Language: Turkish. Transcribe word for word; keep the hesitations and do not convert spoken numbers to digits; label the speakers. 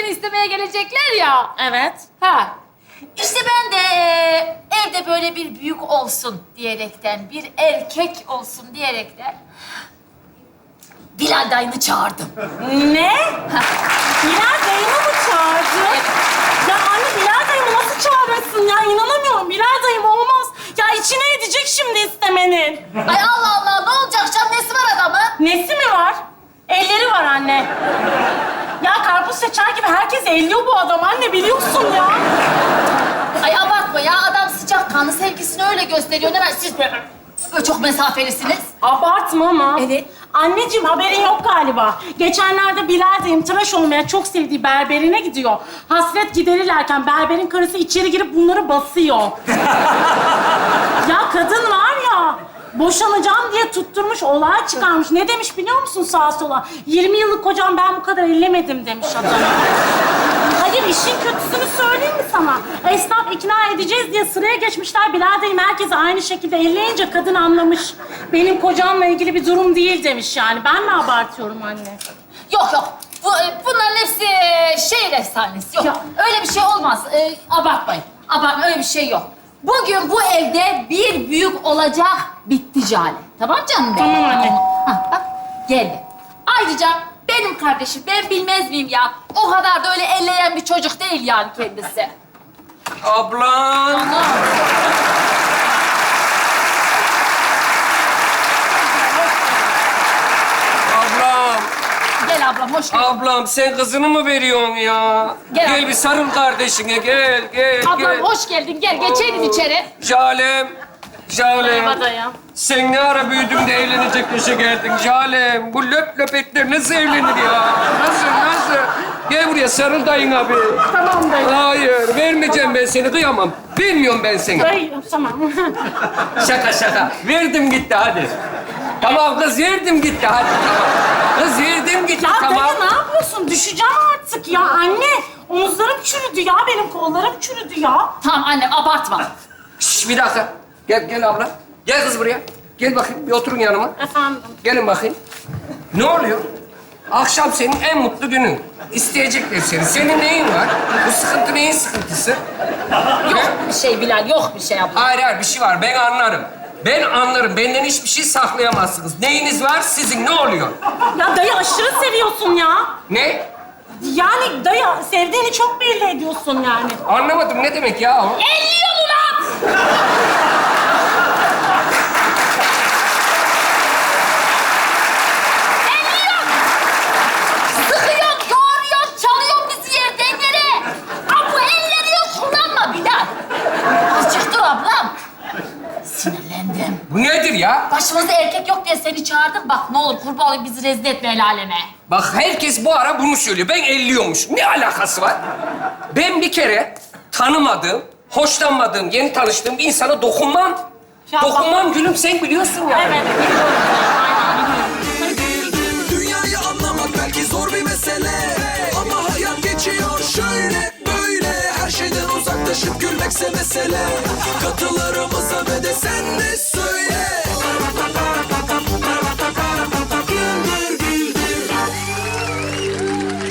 Speaker 1: seni istemeye gelecekler ya.
Speaker 2: Evet.
Speaker 1: Ha. İşte ben de e, evde böyle bir büyük olsun diyerekten, bir erkek olsun diyerekten Bilal dayını çağırdım.
Speaker 2: Ne? Bilal dayımı mı çağırdın? Ya anne Bilal dayımı nasıl çağırırsın ya? İnanamıyorum. Bilal dayım olmaz. Ya içine edecek şimdi istemenin.
Speaker 1: Ay Allah Allah, ne olacak canım? Nesi var adamın?
Speaker 2: Nesi mi var? Elleri var anne. Ya karpuz seçer gibi herkes elliyor bu adam anne biliyorsun ya.
Speaker 1: Ay abartma ya, adam sıcakkanlı, sevgisini öyle gösteriyor. Ne var siz böyle, böyle çok mesafelisiniz.
Speaker 2: Abartma ama.
Speaker 1: Evet.
Speaker 2: Anneciğim haberin yok galiba. Geçenlerde Bilal dayım tıraş olmaya çok sevdiği berberine gidiyor. Hasret giderirlerken berberin karısı içeri girip bunları basıyor. Ya kadın var ya, boşanacağım diye tutturmuş, olay çıkarmış. Ne demiş biliyor musun sağa sola? yirmi yıllık kocam ben bu kadar ellemedim demiş adam. Hayır, işin kötüsünü söyleyeyim mi sana? Esnaf ikna edeceğiz diye sıraya geçmişler. Bilal dayım herkese aynı şekilde elleyince kadın anlamış. Benim kocamla ilgili bir durum değil demiş yani. Ben mi abartıyorum anne?
Speaker 1: Yok yok, Bu, e, bunların hepsi e, şehir efsanesi. Yok,
Speaker 2: Ya.
Speaker 1: öyle bir şey olmaz. E, abartmayın, abartma, öyle bir şey yok. Bugün bu evde bir büyük olacak, bitti Cale. Tamam canım benim?
Speaker 2: Tamam anne.
Speaker 1: Ha, bak, geldi. Ayrıca benim kardeşim, ben bilmez miyim ya? O kadar da öyle elleyen bir çocuk değil yani kendisi.
Speaker 3: Ablam.
Speaker 1: Ana.
Speaker 3: Ablam.
Speaker 1: Gel ablam, hoş geldin.
Speaker 3: Ablam sen kızını mı veriyorsun ya?
Speaker 1: Gel
Speaker 3: Gel
Speaker 1: ablam.
Speaker 3: bir sarıl kardeşine gel gel
Speaker 1: Ablam
Speaker 3: gel.
Speaker 1: hoş geldin, gel geçeydin içeri.
Speaker 3: Jalem. Jalem.
Speaker 2: Merhaba dayım.
Speaker 3: Sen ne ara büyüdün de evlenecek yaşa geldin Jalem. Bu löp löp etler nasıl evlenir ya? Nasıl nasıl? Gel buraya sarıl dayın abi.
Speaker 2: Tamam dayı.
Speaker 3: Hayır vermeyeceğim ben seni kıyamam. Bilmiyorum ben seni.
Speaker 2: Dayı, tamam.
Speaker 3: Şaka şaka. Verdim gitti hadi. Tamam kız verdim gitti hadi. Tamam. Kız verdim gitti
Speaker 2: Ya
Speaker 3: tamam.
Speaker 2: dayı ne yapıyorsun? Düşeceğim artık ya anne. Omuzlarım çürüdü ya, benim kollarım çürüdü ya.
Speaker 1: Tamam annem, abartma.
Speaker 3: Şş, bir dakika. Gel, gel abla. Gel kız buraya. Gel bakayım, bir oturun yanıma.
Speaker 2: Efendim?
Speaker 3: Gelin bakayım. Ne oluyor? Akşam senin en mutlu günün. İsteyecekler seni. Senin neyin var? Bu sıkıntı neyin sıkıntısı?
Speaker 1: Yok bir şey Bilal, yok bir şey abla.
Speaker 3: Hayır, hayır. Bir şey var. Ben anlarım. Ben anlarım. Benden hiçbir şey saklayamazsınız. Neyiniz var sizin? Ne oluyor?
Speaker 2: Ya dayı aşırı seviyorsun ya.
Speaker 3: Ne?
Speaker 2: Yani dayı sevdiğini çok belli ediyorsun yani.
Speaker 3: Anlamadım. Ne demek ya o?
Speaker 1: Elliyor mu lan? Elliyor! Sıkıyor, yoğuruyor, çalıyor bizi yerden yere. Aa, bu elleri yok, kullanma Bilal. Azıcık dur ablam. Sinirlendim.
Speaker 3: Bu nedir ya?
Speaker 1: Başımızda erkek yok diye seni çağırdım. Bak ne olur kurban olayım, bizi rezil etme el aleme.
Speaker 3: Bak herkes bu ara bunu söylüyor. Ben elliyormuş. Ne alakası var? Ben bir kere tanımadığım, hoşlanmadığım, yeni tanıştığım bir insana dokunmam.
Speaker 2: Ya
Speaker 3: dokunmam gülüm, sen biliyorsun ya.
Speaker 2: Evet, biliyorum. Aynen biliyorum.
Speaker 4: Dünyayı anlamak belki zor bir mesele, ama hayat geçiyor şöyle böyle. Her şeyden uzaklaşıp gülmekse mesele. Katılarımız